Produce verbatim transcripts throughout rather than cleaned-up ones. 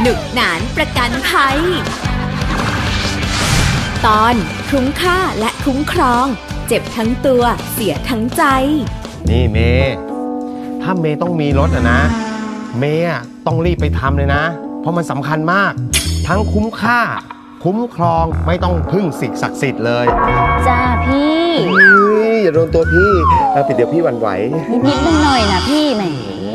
หนุกหนานประกันภัยตอนคุ้มค่าและคุ้มครองเจ็บทั้งตัวเสียทั้งใจนี่เมย์ถ้าเมย์ต้องมีรถอะนะเมย์ต้องรีบไปทำเลยนะเพราะมันสำคัญมากทั้งคุ้มค่าคุ้มครองไม่ต้องพึ่งสิ่งศักดิ์สิทธิ์เลยจ้าพี่อย่าโดนตัวพี่ปิดเดี๋ยวพี่หวั่นไหวนิดๆหน่อยๆนะพี่แหม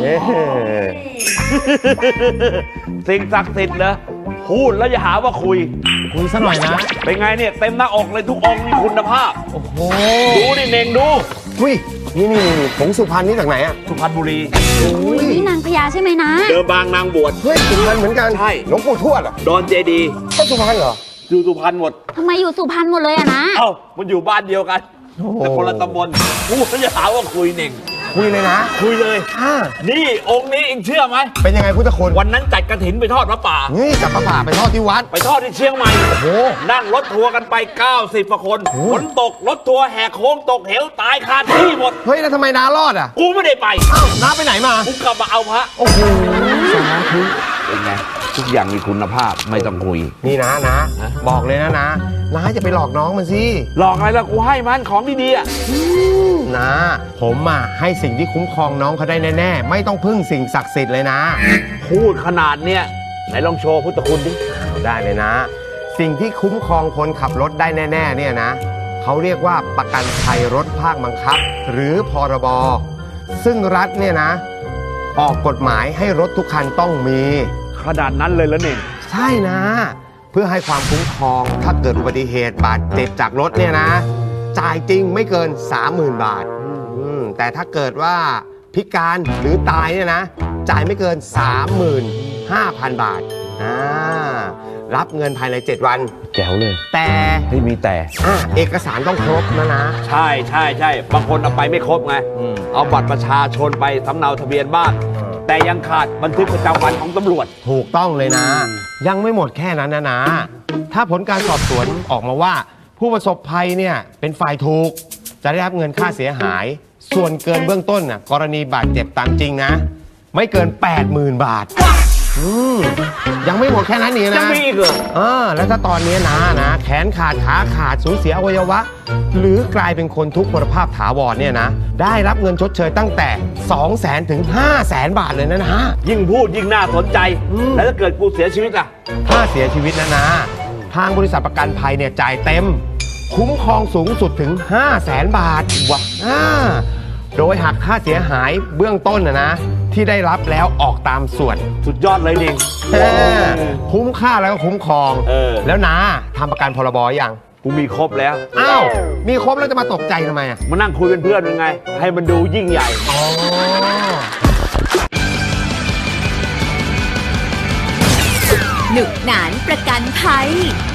สิ่งศักดิ์สิทธิ์เหรอพูดแล้วอย่าหาว่าคุยคุยซะหน่อยนะเป็นไงเนี่ยเต็มหน้าอกเลยทุกองค์มีคุณภาพโอ้โหดูดิเน่งดูอุ้ยนี่นี่ผงสุพรรณนี่จากไหนอะสุพรรณบุรีอุ้ยนี่นางพญาใช่ไหมนะเดิมบางนางบวชเฮ้ยสุพรรณเหมือนกันใช่หลวงปู่ทวดอะดอนเจดีก็สุพรรณเหรออยู่สุพรรณหมดทำไมอยู่สุพรรณหมดเลยอะนะเอ้ามันอยู่บ้านเดียวกันโอ้โหแต่คนละตำบลพูดแล้วอย่าหาว่าคุยเน่งคุยเลยนะคุยเลยอ่านี่องค์นี้เองเชื่อไหมเป็นยังไงพุทธคุณวันนั้นจัดกระถินไปทอดพระป่านี่จับปลาป่าไปทอดที่วัดไปทอดที่เชียงใหม่โอ้โหนั่งรถทัวร์กันไปเก้าสิบกว่าคนโอ้ฝนตกรถทัวร์แหกโค้งตกเหวตายคาที่หมดเฮ้ยแล้วทำไมน้ารอดอะกูไม่ได้ไปอ้าวน้าไปไหนมากูกลับมาเอาพระโอ้โหสาธุเป็นไงทุกอย่างมีคุณภาพไม่ต้องคุยนี่นะนะฮะบอกเลยนะนะน้าจะไปหลอกน้องมันสิหลอกอะไรล่ะกูให้มันของดีๆอ่ะนะผมอ่ะให้สิ่งที่คุ้มครองน้องเขาได้แน่ๆไม่ต้องพึ่งสิ่งศักดิ์สิทธิ์เลยนะพูดขนาดเนี้ยไหนลองโชว์พุทธคุณดิเอาได้เลยนะ สิ่งที่คุ้มครองคนขับรถได้แน่ๆเนี่ยนะเขาเรียกว่าประกันภัยรถภาคบังคับ หรือพรบซึ่งรัฐเนี่ยนะ ออกกฎหมายให้รถทุกคันต้องมีขนาดนั้นเลยแล้วนี่ใช่นะ เพื่อให้ความคุ้มครองถ้าเกิดอุบัติเหตุบาดเจ็บจากรถเนี่ยนะ จ่ายจริงไม่เกิน สามหมื่น บาทอืมแต่ถ้าเกิดว่าพิการหรือตายเนี่ยนะ จ่ายไม่เกิน สามหมื่นห้าพัน บาทอ่ารับเงินภายใน เจ็ด วันแจ๋วเลยแต่ที่มีแต่อ่ะเอกสารต้องครบนะนะใช่ใช่ใช่บางคนเอาไปไม่ครบไงอืมเอาบัตรประชาชนไปสำเนาทะเบียนบ้าน แต่ยังขาดบันทึกประจำวันของตำรวจถูกต้องเลยนะ ยังไม่หมดแค่นั้นนะนะ ถ้าผลการสอบสวนออกมาว่า ผู้ประสบภัยเนี่ยเป็นฝ่ายถูก จะได้รับเงินค่าเสียหาย ส่วนเกินเบื้องต้นน่ะกรณีบาดเจ็บตามจริงนะ ไม่เกิน แปดหมื่น บาทอืมยังไม่หมดแค่นั้นนี่นะยังมีอีกเหรอเออแล้วถ้าตอนนี้นะนะแขนขาดขาขาดสูญเสียอวัยวะ หรือกลายเป็นคนทุกพลภาพถาวรเนี่ยนะได้รับเงินชดเชยตั้งแต่ สองแสน ถึง ห้าแสน บาทเลยนะนะยิ่งพูดยิ่งน่าสนใจอืมแล้วถ้าเกิดกูเสียชีวิตล่ะถ้าเสียชีวิตนะนะ ทางบริษัทประกันภัยเนี่ยจ่ายเต็ม คุ้มครองสูงสุดถึง ห้าแสน บาทวะอ่าโดยหักค่าเสียหายเบื้องต้นนะนะที่ได้รับแล้วออกตามส่วนสุดยอดเลยดิอ่าคุ้มค่าแล้วก็คุ้มครองเออแล้วนะทำประกันพรบยังกูมีครบแล้วอ้าวมีครบแล้วจะมาตกใจทำไมอ่ะมานั่งคุยเป็นเพื่อนยังไง ให้มันดูยิ่งใหญ่อ๋อหนุกหนานประกันภัย